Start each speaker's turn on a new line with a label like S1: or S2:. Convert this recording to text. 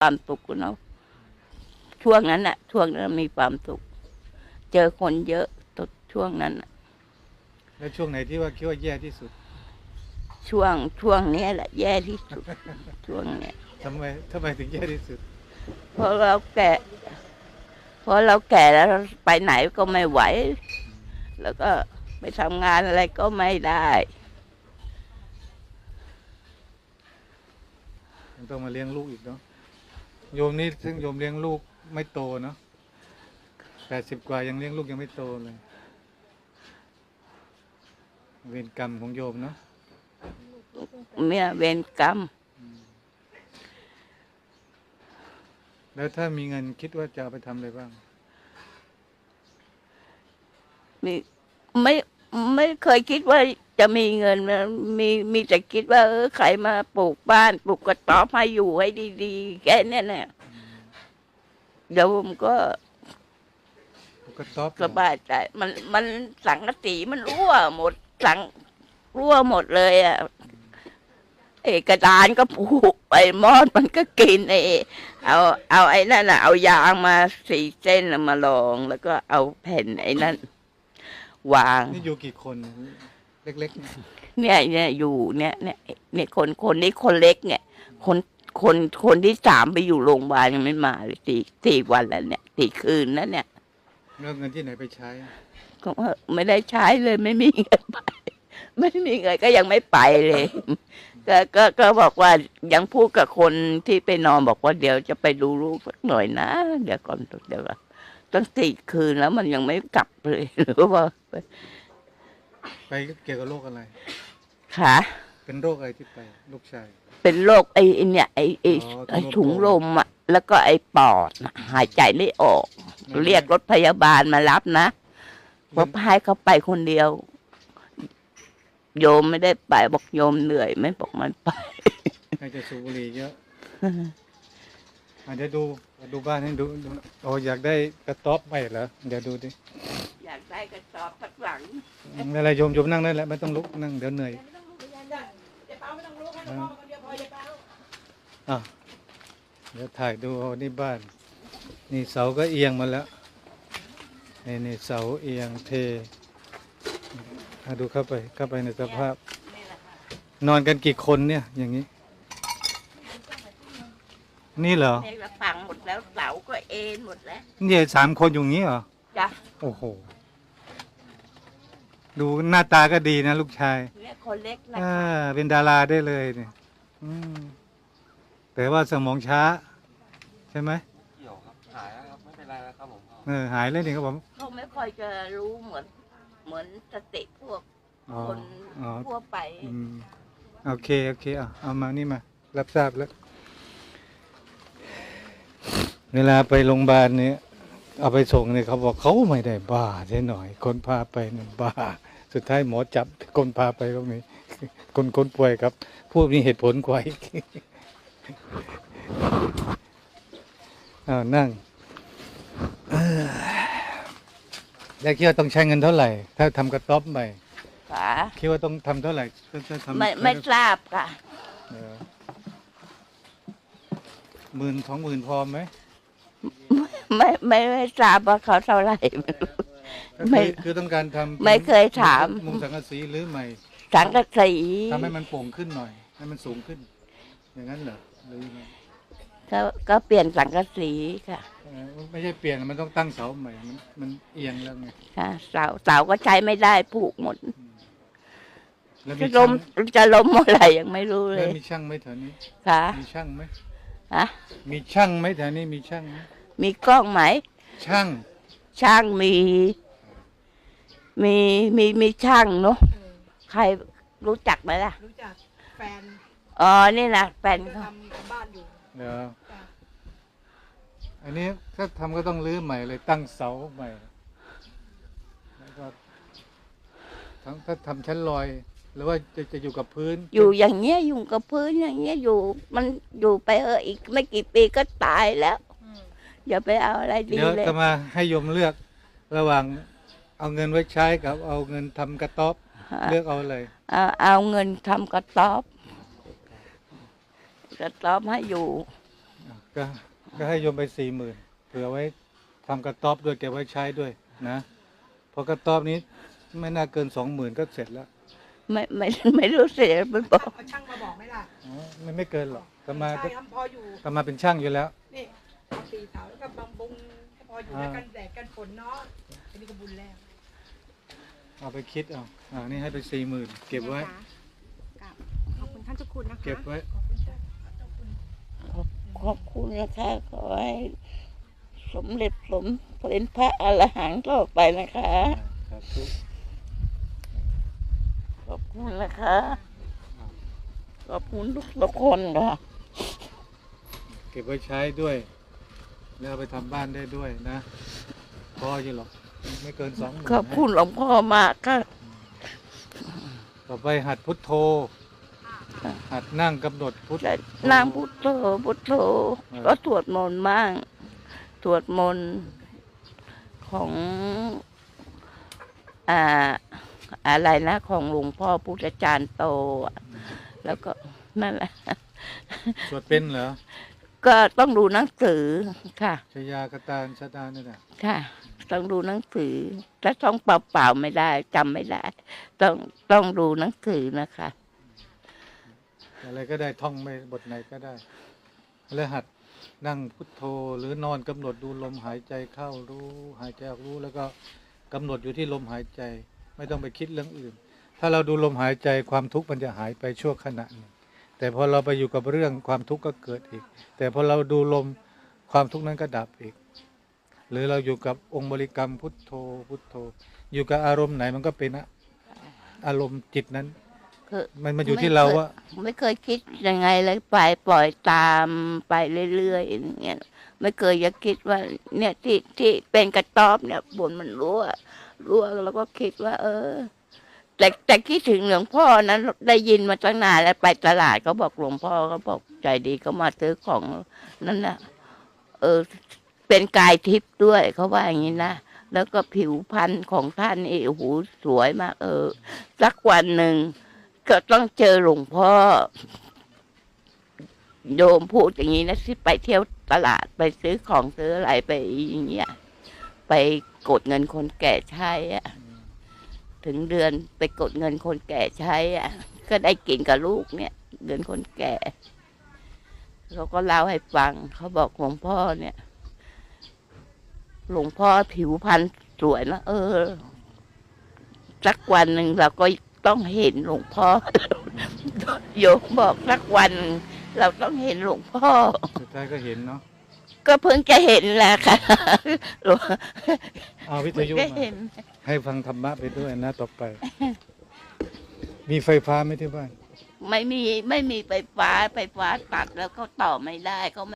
S1: ความสุขเนาะช่วงนั้นมีความสุขเจอคนเยอะตช่วงนั้น
S2: แล้วช่วงไหนที่ว่าคิดว่าแย่ที่สุด
S1: ช่วงนี้แหละแย่ที่สุดช่วงเนี้ย
S2: ทำไมถึงแย่ที่สุด
S1: เพราะเราแก่แล้วไปไหนก็ไม่ไหวแล้วก็ไปทำงานอะไรก็ไม่ได้
S2: ยังต้องมาเลี้ยงลูกอีกเนาะโยมนี่ซึ่งโยมเลี้ยงลูกไม่โตเนาะ80 กว่ายังเลี้ยงลูกยังไม่โตเลยเวรกรรมของโยมเนาะ
S1: เนี่ยเวรกรรม
S2: แล้วถ้ามีเงินคิดว่าจะเอาไปทำอะไรบ้าง
S1: ไม่เคยคิดว่าจะมีเงินมีแต่คิดว่าใครมาปลูกบ้านปลูกกระต๊อบให้อยู่ให้ดีๆแค่นี้เนี่ยเดี๋ยวผมก็
S2: กระต๊อบ
S1: สบายใจมันสังกะสีมันรั่วหมดรั่วหมดเลยอ่ะกระดานก็ผูกไปมอดมันก็กินเอาไอ้นั่นน่ะเอายางมา4 เส้นมาลองแล้วก็เอาแผ่นไอ้นั่นวาง
S2: นี่อยู่กี่คนเล็ก
S1: ๆเนี่ยอยู่เนี่ยคนนี้คนเล็กเนี่ยคนที่3ไปอยู่โรงพยาบาลยังไม่มาเลยสี่วันแล้วเนี่ย4 คืนแล้วเนี่ย
S2: แล้วเงินที่ไหนไปใช้
S1: ก็ไม่ได้ใช้เลยไม่มีเงินไปไม่มีเงินก็ยังไม่ไปเลยก็บอกว่ายังพูดกับคนที่ไปนอนบอกว่าเดี๋ยวจะไปดูลูกสักหน่อยนะเดี๋ยวก่อนเดี๋ยวตั้ง4 คืนแล้วมันยังไม่กลับเลยหรือว่า
S2: ไปเกี่ยวกับโรคอะไร
S1: ค่ะ
S2: เป็นโรคอะไรที่ไปลูกชาย
S1: เป็นโรคไอ้เนี่ยไอ้ถุงลมอ่ะแล้วก็ไอ้ปอดหายใจไม่ออกเรียกรถพยาบาลมารับนะเพราะพายเขาไปคนเดียวโยมไม่ได้ไปบอกโยมเหนื่อยไม่บอกมันไป
S2: ใครจะสูบบุหรี่เยอะอาจจะดูบ้านให้ดูโอ้อยากได้กระต๊อบใหม่เหรอเดี๋ยวดูดิ
S1: อยากได้กระสอบสักหลัง
S2: อะไรโยมนั่งได้แล้วไม่ต้องลุกนั่งเดี๋ยวเหนื่อยเดี๋ยวถ่ายดูนี่บ้านนี่เสาก็เอียงมาแล้วนี่เสาเอียงเทดูเข้าไปในสภาพนอนกันกี่คนเนี่ยอย่างนี้นี่เหรอ
S1: เนี่ยฝังหมดแล้วเสาก็เอ็นหมดแล้ว
S2: นี่3 คนอยู่งี้เหรอ
S1: จ้ะ
S2: โอ้โหดูหน้าตาก็ดีนะลูกชาย
S1: เนี่ยคนเล็กนะ
S2: เป็นดาราได้เลยเนี่ยแต่ว่าสมองช้าใช่ไหม
S3: เกี่ยวครับหายแล้วครับไม่เป็นไรแล้วครับผม
S2: หายแล้วนี่ครับผม
S1: เขาไม่ค่อยจะรู้เหมือนสติพวกคนทั่วไป
S2: โอเคเอามานี่มารับทราบแล้วเวลาไปโรงพยาบาลเนี่ยเอาไปส่งเนี่ยเขาบอกเขาไม่ได้บ้าใช่หน่อยคนพาไปเนี่ยบ้าสุดท้ายหมอจับคนพาไปก็มีคนป่วยครับพวกนี้เหตุผลกว่าอีกนั่งแล้วคิดว่าต้องใช้เงินเท่าไหร่ถ้าทำกระต๊อบใหม่คิดว่าต้องทำเท่าไหร่
S1: ไม่ทราบค่ะ
S2: 10,000 20,000พอไหม
S1: ไม่ทราบว่าเขาเท่าไหร่
S2: ไม่คือต้องการทำ
S1: ไม่เคยถาม
S2: มุงสังกะสีหรือใหม่
S1: สังกะสี
S2: ทำให้มันโป่งขึ้นหน่อยให้มันสูงขึ้นอย่างนั้นเหรอหรือยังไง
S1: ก็เปลี่ยนสังกะสีค่ะ
S2: ไม่ใช่เปลี่ยนมันต้องตั้งเสาใหม่มันเอียงแล้วไง
S1: ค่ะเสาก็ใช้ไม่ได้ผูกหมดจะล้มเมื่อไหร่ยังไม่รู้เลย
S2: มีช่างไหมแถวนี้
S1: ค่ะ
S2: มีช่างไหมมี
S1: ช่
S2: างไหมแถวนี้มีช่างไหม
S1: มีกล้องไหม
S2: ช่าง
S1: มีช่างเนาะใครรู้จักไหมล่ะ
S4: รู้จักแฟน
S1: นี่นะแฟนเขา
S4: ทำบ้านอยู่
S2: เดี๋ยวอันนี้ถ้าทำก็ต้องรื้อใหม่เลยตั้งเสาใหม่แล้วก็ถ้าทำชั้นลอยหรือว่าจะอยู่กับพื้น
S1: อยู่อย่างเงี้ยอยู่กับพื้นอย่างเงี้ยมันอยู่ไปอีกไม่กี่ปีก็ตายแล้วอย่าไปเอาอะไรดีเลย
S2: เดี๋ยวจะมาให้โยมเลือกระหว่างเอาเงินไว้ใช้กับเอาเงินทำกระต๊อบเลือกเอาเลย
S1: เอาเงินทำกระต๊อบให้อยู่
S2: ก็ก็ให้โยมไป40,000เผื่อไว้ทำกระต๊อบด้วยเก็บไว้ใช้ด้วยนะเพราะกระต๊อบนี้ไม่น่าเกิน20,000ก็เสร็จแล้ว
S1: ไม่รู้เสียมันบอก
S4: เอาช่างมาบอกไหมล่ะ
S2: อ๋อไม่เกินหรอกก็มา
S4: ใช่ครับพออยู่
S2: ก็มาเป็นช่างอยู่แล้ว
S4: นี่เอาตีเสาแล้วก็บำบุงพออยู่แล้วกันแดดกันฝนเนาะอันนี้ก็บุญแล้ว
S2: เอาไปคิดเอานี่ให้ไป40,000เก็บไว้
S5: กับขอบคุณท่านเจ้าคุณนะคะ
S2: เก็บไว้
S4: ขอบคุณจ้ะเจ้าคุณ
S1: ขอบคุณนะคะขอให้สมเด็จสมเป็นพระอรหันต์ต่อไปนะคะ
S2: สาธุ
S1: ขอบคุณนะคะขอบคุณทุกคนค่ะ
S2: เก็บไว้ใช้ด้วย แล้วเอาไปทำบ้านได้ด้วยนะพออยู่หรอกไม่เกิน20,000
S1: ขอบคุณหลวงพ่อมากค่ะ
S2: ต่อไปหัดพุทโธ หัดนั่งกำหนดพุท
S1: แต่นางพุทโธพุทโธก็สวดมนต์บ้างสวดมนต์ของอะไรนะของหลวงพ่อพุทธจารย์โตอะแล้วก็นั่นแหละ
S2: สวดเป็นเหรอ
S1: ก็ต้องดูหนังสือค่ะ
S2: ชยากตาลชะดานี่แหละ
S1: ค่ะ ต้องดูหนังสือถ้าต้องเปล่าๆไม่ได้จำไม่ได้ ต้องดูหนังสือนะคะ
S2: อะไรก็ได้ท่องไม่บทไหนก็ได้ แล้วหัดนั่งพุทโธหรือนอนกำหนดดูลมหายใจเข้ารู้หายใจออกรู้แล้วก็กำหนดอยู่ที่ลมหายใจ ไม่ต้องไปคิดเรื่องอื่น ถ้าเราดูลมหายใจความทุกข์มันจะหายไปชั่วขณะหนึ่งแต่พอเราไปอยู่กับเรื่องความทุกข์ก็เกิดอีก แต่พอเราดูลมความทุกข์นั้นก็ดับอีก หรือเราอยู่กับองค์บริกรรมพุทโธพุทโธ อยู่กับอารมณ์ไหนมันก็เป็นอารมณ์จิตนั้น
S1: คือ
S2: มันอยู่ที่เราว่า
S1: ไม่เคยคิดยังไงเลยไปปล่อยตามไปเรื่อยๆอย่างเงี้ยไม่เคยจะคิดว่า เนี่ยที่เป็นกระต๊อบเนี่ยบนมันรั่วแล้วก็คิดว่า แต่คิดถึงหลวงพ่อนั้นได้ยินมาตั้งนานแล้วไปตลาดเขาบอกหลวงพ่อเขาบอกใจดีเขามาซื้อของนั่นน่ะเป็นกายทิพย์ด้วยเขาว่าอย่างนี้นะแล้วก็ผิวพรรณของท่านนี่โอ้โหสวยมากสักวันหนึ่งก็ต้องเจอหลวงพ่อโยมพูดอย่างนี้นะที่ไปเที่ยวตลาดไปซื้อของซื้ออะไรไปอย่างเงี้ยไปกดเงินคนแก่ใช้อะถึงเดือนไปกดเงินคนแก่ใช้อ่ะ ก็ได้กินกับลูกเนี่ยเงินคนแก่เขาก็เล่าให้ฟังเขาบอกหลวงพ่อเนี่ย หลวงพ่อผิวพรรณสวยนะสักวันหนึ่งเราก็ต้องเห็นหลวงพ่อ โยมบอกสักวันเราต้องเห็นหลวงพ่อ
S2: สุดท้ายก็เห็นเนาะ
S1: ก็เพิ่งจะเห็นแหละค่ะ
S2: เอาวิทยุ
S1: ก็
S2: มา
S1: เห็น
S2: ให้ฟังธรรมะไปด้วยนะต่อไป มีไฟฟ้าไหมที่บ้าน
S1: ไม่มีไฟฟ้าตัดแล้วเขาต่อไม่ได้เขา